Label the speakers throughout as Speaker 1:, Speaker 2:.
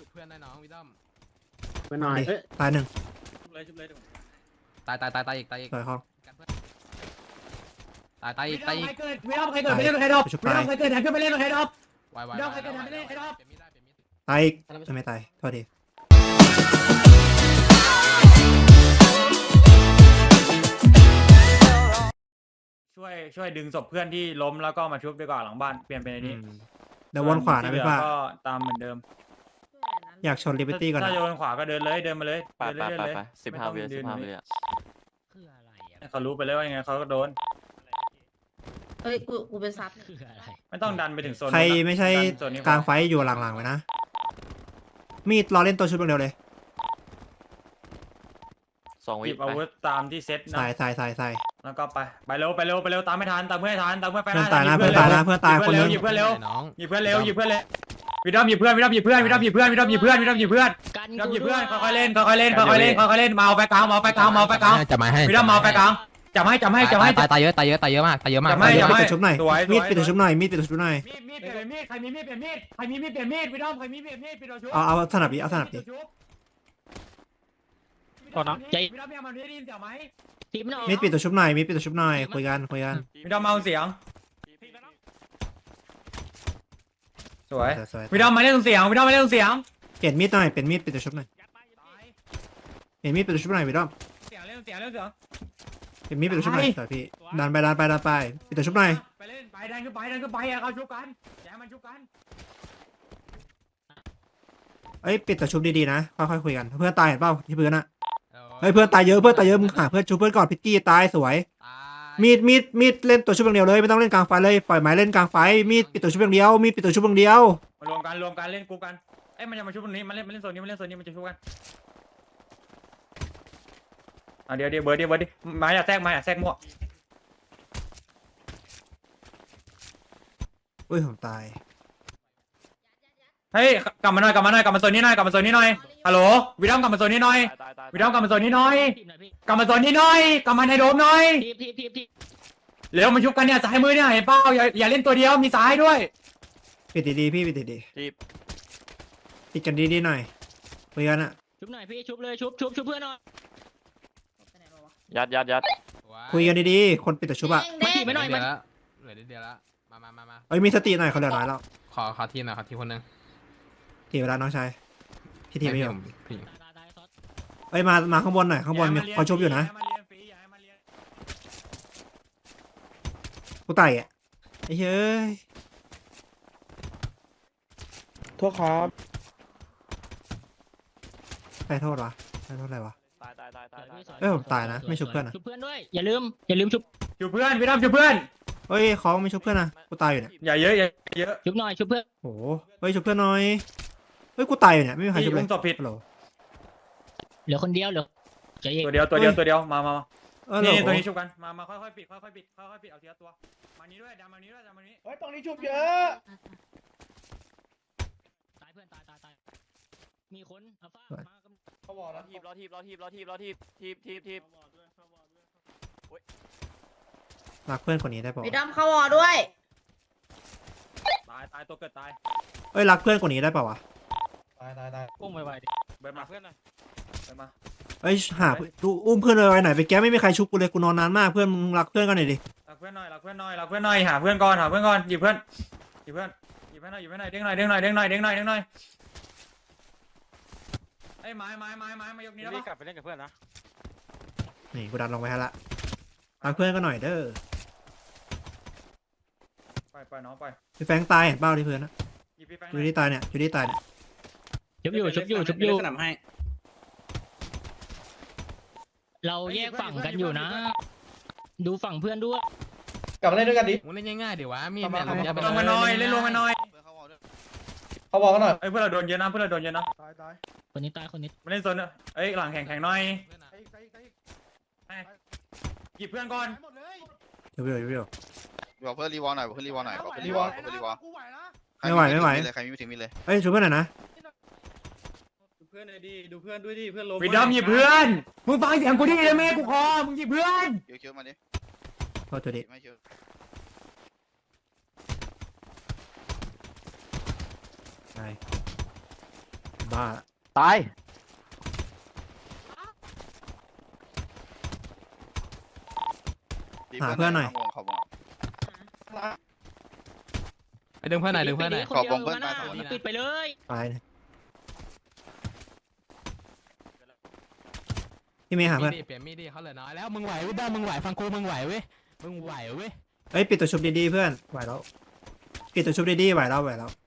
Speaker 1: เพื่อนได้น้องวิดอม
Speaker 2: ไปหน่อย
Speaker 3: ตายหนึ่ง
Speaker 1: ตายอีกตายอีก
Speaker 3: ต่อยห้อง
Speaker 1: ตายอีกตายอีก
Speaker 2: ไม่ต้องใครเกิดไม่เล่นใครดอกไม่ต้องใครเกิดแทนขึ้นไปเล่นใครดอก
Speaker 1: วาย
Speaker 2: วิดอมใครเกิดไม่ได้ใครดอก
Speaker 3: ตายอีกไม่ตายโทษที
Speaker 4: ช่วยดึงศพเพื่อนที่ล้มแล้วก็มาชุบดีกว่าหลังบ้านเปลี่ยนเป็นไอ้นี้
Speaker 3: เดี๋ยววนขวานะพี่ฟ้า
Speaker 4: ก็ตามเหมือนเดิม
Speaker 3: อยากชนลิเบอร์ตี้ก่อน
Speaker 4: ถ้า
Speaker 3: นะ
Speaker 4: จะวนขวาก็เดินเลยเดินมาเลย
Speaker 5: ไป
Speaker 4: เดิน
Speaker 5: ไป
Speaker 4: เลย
Speaker 5: ไป
Speaker 4: เดินเลย
Speaker 5: ไป15 วิ15 วิอ่ะ
Speaker 1: คืออะไรอ่ะ
Speaker 4: เขารู้ไปเลยว่ายังไงเขาก็โดน
Speaker 6: เฮ้ยกูเป็นซับ
Speaker 1: คืออะไร
Speaker 4: ไม่ต้องดันไปถึงโซน
Speaker 3: ใคร
Speaker 4: นู้นนะ
Speaker 3: ไม่ใช่
Speaker 4: ดันโซนนี้พอก
Speaker 3: ลางไฟอยู่หลังๆไว้นะมีดรอเล่นตัวชุดเร็วเลย
Speaker 5: 2
Speaker 4: ห
Speaker 5: วิ
Speaker 4: ยิบอาวุธตามที่เซ็ตนะ
Speaker 3: ใส่
Speaker 4: แล้วก็ไปเร็วตามไม่ทันตามเพื่อนให้ทันตามเพื่อนไป
Speaker 3: เพื่อนตายนะเพื่อนตายนะเพื่อนตายคนนึง
Speaker 4: หยิบเพื่อนเร็ว
Speaker 1: น้อง
Speaker 4: หยิบเพื่อนเร็ววิดอมหยิบเพื่อนค่อยๆเล่นมาเอาไปกลาง
Speaker 1: จะมาให้
Speaker 4: วิดอมมาเอาไปกลางจับให้
Speaker 1: ตายเยอะมาก
Speaker 3: มีดปิดตัวชุบหน่อย
Speaker 4: สวย
Speaker 3: มีดปิดตัวชุบหน่อยมีดปิดตัวชุบหน่อย
Speaker 4: มีดเปลี่ยนมีดใครมีมีดเปลี่ยนมีดวิดอมใครมีมีดปิดตัวชุบ
Speaker 3: เอาสนับดิเอาสนับดิ
Speaker 4: ก่อนนะวิดอมยังมันได้ยินเสียงไหม
Speaker 6: ทีมนอก
Speaker 3: มีดปิดตัวชุบหน่อยมีดปิดตัวชุบหน่อยคุยกัน
Speaker 4: วิดอมมาเอาเสียงสวย
Speaker 3: สวย
Speaker 4: วิดอมมาเล่นเสียง
Speaker 3: เปลี่ยนมีดหน่อยเปลี่ยนมีดปิดตัวชุบหน่อยเปลี่ยนมีดปิดตัวชุบหน่อยวิดอม
Speaker 4: เสียง
Speaker 3: เปลี่ยนมีดปิดตัวชุบหน่อยสวยพี่ดันไปปิดตัวชุบหน่อย
Speaker 4: ไปเล่นไปดันขึ้นไปเขาชุบกันแย่มันชุบกัน
Speaker 3: เอ้ยปิดตัวชุบดีๆนะค่อยๆคุยกันเพื่อนตายเห็นเปล่าที่พื้นอะเฮ้ยเพื่อนตายเยอะมึงหาเพื่อนชุบเพื่อนก่อนพิกกี้ตายสวยมีดเล่นตัวชุบอย่างเดียวเลยไม่ต้องเล่นกลางไฟเลยปล่อยไม้เล่นกลางไฟมีดปิดตัวชุบอย่างเดียวมีดปิดตัวชุบอย่างเดียว
Speaker 4: มารวมกันเล่นกูกันเอ้ยมันจะมาชุบตรงนี้มันเล่นโซนนี้มันจะชุบกันเดี๋ยวเบิร์ดดิมาอย่าแทรกมั่ว
Speaker 3: อุ้ยผมตาย
Speaker 4: เฮ้ยกลับมาโซนนี้หน่อยฮัลโหลวิดอมกลับมาโซนนี้หน่อย
Speaker 5: ตาย
Speaker 4: วิดอมกลับมาโซนนี้หน่อย
Speaker 6: ทีมหน่อยพี่
Speaker 4: กลับมาโซนนี้หน่อยกลับมาในโดมหน่อย
Speaker 6: ทีม
Speaker 4: เร็วมาชุบกันเนี่ยซ้ายมือเนี่ยเห็นเปล่าอย่าเล่นตัวเดียวมีซ้ายด้วย
Speaker 3: ปิดดีๆพี่ปิดดี
Speaker 5: ทีบ
Speaker 3: ๆปิดกันดีๆหน่อยคุยกันอะ
Speaker 6: ชุบหน่อยพี่ชุบเลยชุบเพื่อนหน่อย
Speaker 5: ยัด
Speaker 3: คุยกันดีๆคนปิดตัวชุบอะ
Speaker 6: มาทีไม่หน่อย
Speaker 1: เหลื
Speaker 6: มา
Speaker 1: อเดียวแล้วมา
Speaker 3: เอ้ยมีสติหน่อยเขาเหลือน้อยแล้ว
Speaker 1: ขอทีหน่อยขอทีคนนึง
Speaker 3: ทีเวลาน้องชายพี่ทีไม่อยู่
Speaker 1: พี่
Speaker 6: ตายซอส
Speaker 3: เอ้ยมาข้างบนหน่อยข้างบนมีเขาชุบอยู่นะกูไต่อะไอ้เฮ้ย
Speaker 2: โทษครับ
Speaker 3: ใครโทษวะใครโทษอะไรวะ
Speaker 5: ตาย
Speaker 3: เอ้ยผมตายนะไม่ชุบเพื่อนอะ
Speaker 6: ชุบเพื่อนด้วยอย่าลืมชุบ
Speaker 4: ชุบเพื่อนวิดอมชุบเพื่อน
Speaker 3: เฮ้ยเขาไม่ชุบเพื่อนนะกูตายอยู่เนี่ย
Speaker 4: อย่าเยอะ
Speaker 6: ชุบหน่อยชุบเพื่อน
Speaker 3: โอ้โหเฮ้ยชุบเพื่อนหน่อยเฮ้ยกูตายอยู่เนี่ยไม่มีใครชุบเลย
Speaker 4: อุ้มศพผิด
Speaker 3: ฮัลโหล
Speaker 6: เหลือคนเดียวเหลือใจเย็น
Speaker 4: ตัวเดียวมา
Speaker 3: เออฮัลโหล
Speaker 4: นี่ตัวนี้ชุบกันมาค่อยๆปิดเอาทีละตัวมานี้ด้วยดันมานี้
Speaker 2: เฮ้ยตรงนี้ชุบเยอะ
Speaker 6: ตายเพื่อนตายมีคนอัลฟามา
Speaker 2: เขาบอก
Speaker 5: รอ
Speaker 2: แล้ว
Speaker 5: ทีบทีบ
Speaker 3: รักเพื่อนคนนี้ได้ป่าว
Speaker 6: วิดอมเข้าวอด้วย
Speaker 4: ตายตัวเกิดตาย
Speaker 3: เอ้ยรักเพื่อนคนนี้ได้ป่าวะ
Speaker 2: ตาย
Speaker 6: อุ้มไวๆดิ
Speaker 4: เบิร์ดมาเพื่อนหน่อยเบิร์ดมา
Speaker 3: เอ้ยหาดูอุ้มเพื่อนเลยไว้ไหนไปแกไม่มีใครชุบกูเลยกูนอนนานมากเพื่อนมึงรักเพื่อนกันหน่อยดิ
Speaker 4: รักเพื่อนหน่อยหาเพื่อนก่อนหยิบเพื่อนหน่อยเด้งหน่อยไอ้ไม้มายกนี้แล้ว
Speaker 5: รีบ
Speaker 4: ปะ
Speaker 5: กลับไปเล่นกับเพื่อนนะ
Speaker 3: นี่กูดันลงไปให้ละรักเพื่อนกันหน่อยเด้อ
Speaker 4: ไปน้องไป
Speaker 3: พี่แฟงตายเห็นเปล่าที่พื้นนะ
Speaker 4: หยิบพี่แฟง
Speaker 3: อยู่ที่ตายเนี่ยอยู่ที่ตายเนี่ย
Speaker 6: ชุบอยู่
Speaker 2: สนามให้
Speaker 6: เราแยกฝั่งกันอยู่นะ ดูฝั่งเพื่อนด้วย
Speaker 2: กลับมาเล่นด้วยกันดิ
Speaker 1: มึงเล่นง่ายๆเดี๋ยววะมีดเนี่ย
Speaker 4: ลงมาหน่อยเล่นลงมาหน่อย
Speaker 2: เขาบอกกันหน่อย
Speaker 4: เอ้ยเพื่อนเราโดนเยอะนะ
Speaker 2: ตาย
Speaker 6: คนนี้ตายคนนี้
Speaker 4: มาเล่นโซนเอ้ยหลังแข่งหน่อยหยิบเพื่อนก่อน
Speaker 3: เดี๋ยว
Speaker 7: บอกเพื่อนรีวอลหน่อยบอกเพื่อนรีวอลหน่อยบอกเพื่อนรีวอลบอกเพื่อนรีวอล
Speaker 3: ไม่ไหว
Speaker 7: ใครมีถึงมีเลย
Speaker 3: เอ้ยชุบเพื่อนหน่อยนะ
Speaker 2: ดูเพื่อนเลยดิดูเพื่อนด้วยดิเพื่อนล้ม
Speaker 4: วิดอมหยิบเพื่อนมึงฟังเสียงกูดิเลยแม่กูคอมึงหยิบเพื่อน
Speaker 7: เคียวมาดิ
Speaker 3: โทษตัวดิ
Speaker 7: ไม่เคียว
Speaker 3: ตายบ้า
Speaker 5: ตาย
Speaker 7: ตี
Speaker 3: หาเพื่อนหน่อย
Speaker 7: วงเขาวง
Speaker 1: ไปดึงเพื่อนหน่อยดึงเพื่อนหน่อย
Speaker 7: ขอบวงเพื่อน
Speaker 6: นะ
Speaker 7: ตายสองคน
Speaker 6: ปิดไปเลย
Speaker 3: ตายเลยพี่เมย์หาเพื่อน
Speaker 1: เปลี่ยนมีดดิเขาเหลือน้อยแล้วมึงไหวเว้ยบ้ามึงไหวฟังกูมึงไหวเว้ยมึงไหวเว้ย
Speaker 3: เอ้ยปิดตัวชุบดีๆเพื่อนไหวแล้วปิดตัวชุบดีๆไหวแล้ว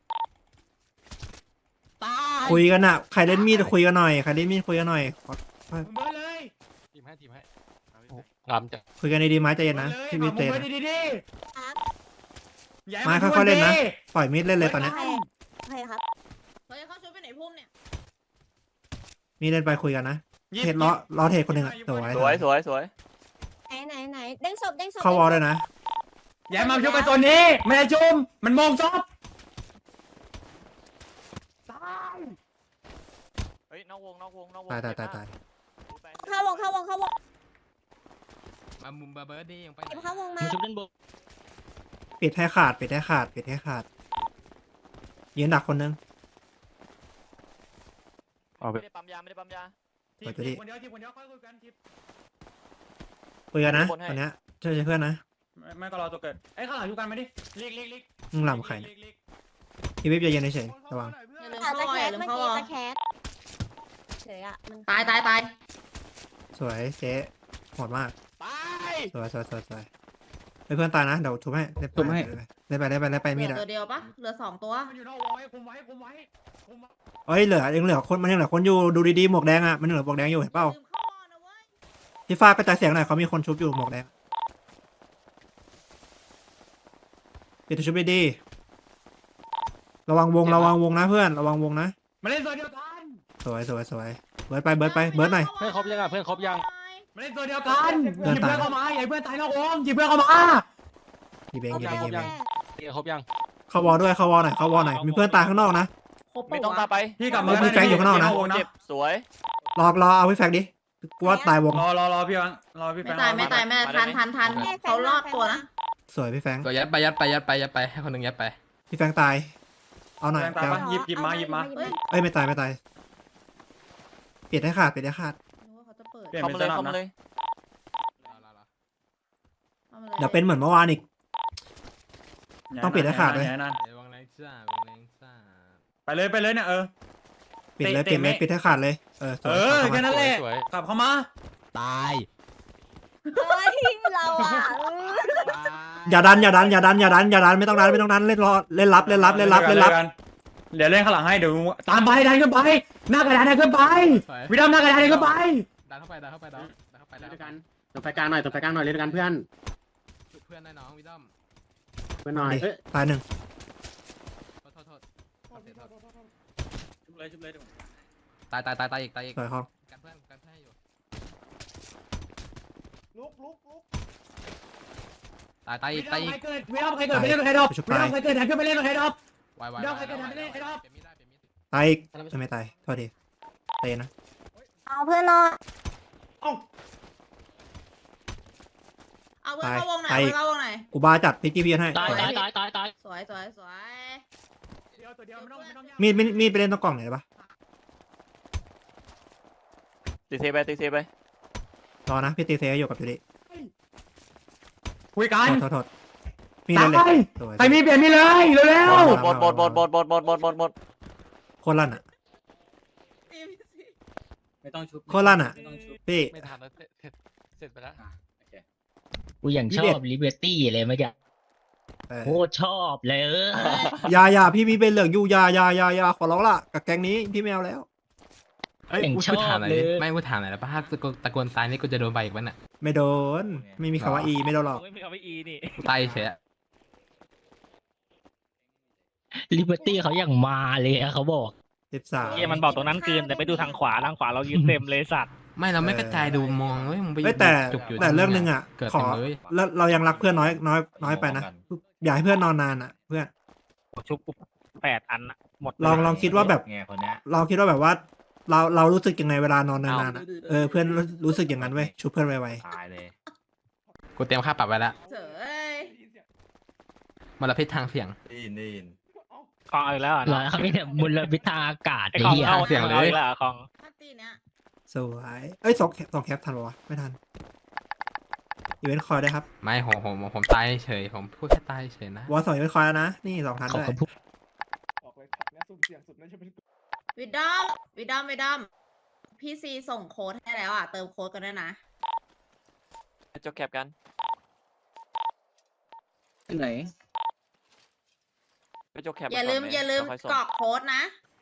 Speaker 1: ตาย
Speaker 3: คุยกันอะใครเล่นมีดคุยกันหน่อยใครเล่นมีดคุยกันหน่อยขอ
Speaker 4: มึงเบิร์ดเลย
Speaker 1: ทีมให้
Speaker 5: งามจัง
Speaker 3: คุยกันดีๆไม้ใจเย็นนะ
Speaker 4: เลย
Speaker 3: พี่มีด
Speaker 4: มึ
Speaker 3: เตะ
Speaker 4: งเบิร์ด
Speaker 3: นะ
Speaker 4: ดีๆอย่าให้
Speaker 3: มา
Speaker 4: มัน
Speaker 3: ค่อยๆเล่นนะ
Speaker 4: ดิ
Speaker 3: ปล่อยมีดเล่นเลยตอนเนี้ย
Speaker 8: โอเคครับเฮ้ยเขาช่วยไปไหนพุ่มเนี่ย
Speaker 3: มีดเล่นไปคุยกันนะ
Speaker 4: หยิบ
Speaker 3: เทรดล้อเทรดคนหนึ่งอะสวย
Speaker 5: สวยสวยสวย
Speaker 8: ไหนเด้งศพ
Speaker 3: เข้าวอลเลยนะ
Speaker 4: อย่าให้มันชุบไปตัวนี้ไม่ได้ชุมมันมองซอบ
Speaker 5: เฮ้ยนอกวง
Speaker 3: ตาย
Speaker 8: เข้าวง
Speaker 1: มามุมเบอร์ดี้ยังไปไหน
Speaker 8: เก็บเข้าวงมา
Speaker 6: มาชุบด้านบน
Speaker 3: ปิดให้ขาดยืนดักคนนึง
Speaker 5: ไม่ได้ปั๊มยาไม่ได้ปั๊มยา
Speaker 4: ทีบคนเดียวค่อยคุยกันทีบ
Speaker 3: คุยกันนะ
Speaker 5: คนให้
Speaker 3: ตอนเนี้ยช่วยเพื่อนนะ
Speaker 4: ไม่ก็รอตัวเกิดเอ้ยข้างหลังอยู่กันไหมดิลีก
Speaker 3: มึงหลำไข่นะพี่วิบใจเย็นเฉยๆระวัง
Speaker 8: อาจจะแคสเมื่อกี้จะแคสเฉยอะมัน
Speaker 2: ตาย
Speaker 3: สวยเจ๊โหดมาก
Speaker 5: ตาย
Speaker 3: สวยเฮ้ยเพื่อนตายนะเดี๋ยวทุบให้เล่นไปมีดอะ
Speaker 2: ตัวเดียวปะเหลือ2ตัว
Speaker 4: มันอยู่นอกวงไว้คุมไว้
Speaker 3: เอ้ยยังเหลือคนมันยังเหลือคนอยู่ดูดีๆหมวกแดงอะมันยังเหลือหมวกแดงอยู่เห็นเปล่า
Speaker 2: ลืมเข้าวอนะเว้ย
Speaker 3: พี่ฟ้ากระจายเสียงหน่อยเขามีคนชุบอยู่หมวกแดงปิดตัวชุบดีๆระวังวงนะเพื่อนระวังวงนะ
Speaker 4: มาเล่นตัวเดียวกัน
Speaker 3: สวยเบิร์ดไปเบิร์ดหน่อย
Speaker 5: เพื่อนครบยังอ่ะเพื่อนครบยัง
Speaker 4: มาเล่นตัวเดียวกันห
Speaker 3: เพื่อน
Speaker 4: ยิบ
Speaker 3: ตาย
Speaker 4: เพื่อนเข้ามาอย่าให้เพื่อนตายนอกวงหยิบเพื่อนเข้ามา
Speaker 3: ยีเบง
Speaker 8: โอเค
Speaker 5: ครบยัง
Speaker 3: เข้าวอลด้วยเข้าวอลหน่อยมีเพื่อนตายข้างนอกนะ
Speaker 2: ครบ
Speaker 5: ไม่
Speaker 2: ปะ
Speaker 5: ต้อง
Speaker 2: วะ
Speaker 5: ตามไป
Speaker 4: พี่กลับมา
Speaker 3: มีแฟงอยู่ข้างนอกนะ
Speaker 4: วงนะ
Speaker 5: เจ็บสวย
Speaker 3: รอเอาพี่แฟกดิกูว่าตายวง
Speaker 4: รอพี่ฟังรอพี่แฟ
Speaker 2: ไม่
Speaker 4: ง
Speaker 2: ตายทันเขารอดตัวนะ
Speaker 3: สวยพี่แฟง
Speaker 1: ตัวยัดไปให้คนหนึ่งยัดไป
Speaker 3: พี่แฟงตายเอาหน่อย
Speaker 4: แฟงตายปะหยิบมา
Speaker 2: เฮ้ย
Speaker 3: เอ้ยไม่ตายปิดให้ขาด
Speaker 2: นึกว่าเขาจะเปิด
Speaker 4: เปลี่ยน
Speaker 5: เข้า
Speaker 4: เป็น
Speaker 5: มา
Speaker 4: ส
Speaker 5: เลย
Speaker 4: นับ
Speaker 5: เข้ามา
Speaker 4: นะ
Speaker 5: เลย
Speaker 3: เดี๋ยวเป็นเหมือนเมื่อวานอีก ต้องปิดให้ขาดด้วย
Speaker 4: อย่าให้นาน
Speaker 1: วงแรงจ้า
Speaker 4: ไปเลยเนี่ย
Speaker 3: ปิดเลย
Speaker 4: เตะ
Speaker 3: ปิดให้ขาดเลยสวย
Speaker 4: แค่นั้นแหละ
Speaker 5: สวย
Speaker 4: กลับเข้ามา
Speaker 1: ตาย
Speaker 8: เฮ้ยเราอะ
Speaker 3: อย่าดันไม่ต้องดันเล่นรับ
Speaker 4: เดี๋ยวเล่นข้างหลังให้เดี๋ยวตามไปดันขึ้นไปหน้ากระดานดันขึ้นไปวิดามหน้ากระดานดันขึ้นไป
Speaker 1: ดันเข้าไป
Speaker 9: ตัวไฟกลางหน่อยเล่นกันเพื่อน
Speaker 1: เพื่อนได้น้องวิดอม
Speaker 9: เพื่อนหน่อยเอ้ย
Speaker 3: ตายหนึ่ง
Speaker 1: โทษ
Speaker 4: ชุบเลยเดี๋ยว
Speaker 1: ตายอีก
Speaker 3: สวยครับ
Speaker 1: กันเพื่อนอยู่ตายอีก
Speaker 4: วิดามใครเกิดไปเล่นกับใครดอกวิดามใครเกิดดันขึ้นไปเล่นกับใครดอก
Speaker 1: ไว
Speaker 3: ตายอีกไม่ตายโทษทีเตะนะ
Speaker 8: เอาเพื่อนนอน
Speaker 2: เอาเพื่อนเข้าวงหน่อยเข้าวงหน่อย
Speaker 3: กูบาจัดพิกกี้พีให้
Speaker 6: ตาย
Speaker 2: สวย
Speaker 4: ตัวเดียวไม่ต้องยาก
Speaker 3: มีดไปเล่นตรงกล่องไหนได้ปะ
Speaker 5: ตีเซไป
Speaker 3: รอนะพี่ตีเซอยู่กับยูริ
Speaker 4: คุยกัน
Speaker 3: โทษมีดเล่นเลยสวย
Speaker 4: ใครมีเปลี่ยนมีเลยเร็ว
Speaker 5: หมด
Speaker 3: โคตรลั่นอ่ะ
Speaker 9: ไม่ต้องชุบ
Speaker 3: โคตรลั่นอ่ะพี่
Speaker 5: ไม่ทันแล้วเสร็จไปแล้ว
Speaker 6: กูอย่างชอบลิเบอร์ตี้เลยเมื่อกี้โคตรชอบเลย
Speaker 3: อย่าพี่มีเป็นเหลืองอยู่อย่าขอร้องละกับแก๊งนี้พี่ไม่เอาแล้ว
Speaker 6: อย่างชอบเลย
Speaker 1: ไม่กูถามหน่อยแล้วป้าตะโกนตายนี่กูจะโดนใบอีกวันน่ะ
Speaker 3: ไม่โดนไม่มีคำว่าอีไม่โดนหรอก
Speaker 5: ไม่มีคำว่าอีนี่
Speaker 1: ตายเฉย
Speaker 6: ลิเบอร์ตี้เขาอย่างมาเลยอะเขาบอก
Speaker 3: 13
Speaker 5: เหี้ยมันบอกตรงนั้นเกินแต่ไปดูทางขวาเรายืนเต็มเลยสัตว์
Speaker 1: ไม่เราไม่กระจายดูมองเว้ยมึงไป
Speaker 3: เฮ้ยแต่
Speaker 1: จุกอยู่
Speaker 3: เรื่องนึงอ่ะ
Speaker 1: เกิด
Speaker 3: ขอ
Speaker 1: เต็มเลย
Speaker 3: แล้วเรายังรักเพื่อนน้อยไปนะอย่าให้เพื่อนนอนนานอ่ะ เพื่อน
Speaker 5: ชุบ8 อันอะหมด
Speaker 3: ลองคิดว่าแบบ
Speaker 9: ไงคนเนี้ย
Speaker 3: เราคิดว่าแบบว่า เรารู้สึกยังไงเวลานอนนานๆอ่ะเพื่อนรู้สึกอย่างนั้นเว้ยชุบเพื่อนไว
Speaker 9: ตายเลย
Speaker 1: กูเตรียมค่าปรับไว้แล้ว
Speaker 2: เฉย
Speaker 1: มลพิษทางเสียง
Speaker 9: ได้ยิน
Speaker 5: คลองเอาอีกแล้ว
Speaker 6: เหรอเขาไม่เนี่ยมลพิษทางอากาศ
Speaker 5: ไอ้
Speaker 6: ไอ้
Speaker 5: คลอง
Speaker 6: เหี้ย
Speaker 5: เอาอีกแล้วคลอง
Speaker 8: ตีเนี้ย
Speaker 3: สวยเอ้ยสองแคปทันปะวะไม่ทันอีเวนต์คอยได้วยครับ
Speaker 1: ไม่ผมตายเฉยผมพูดแค่ตายเฉยนะ
Speaker 3: วอล2อีเวนต์คอยแล้วนะนี่2ทัน
Speaker 6: เขา
Speaker 3: ด้วย
Speaker 6: เขาพูด
Speaker 8: วิดอมพี่ซีส่งโค้ดให้แล้วอ่ะเติมโค้ดกันด้วยนะ
Speaker 10: จบแคปกัน
Speaker 9: ไหน
Speaker 10: ไปจบแคป
Speaker 8: อย่าลืมกรอกโค้ดนะ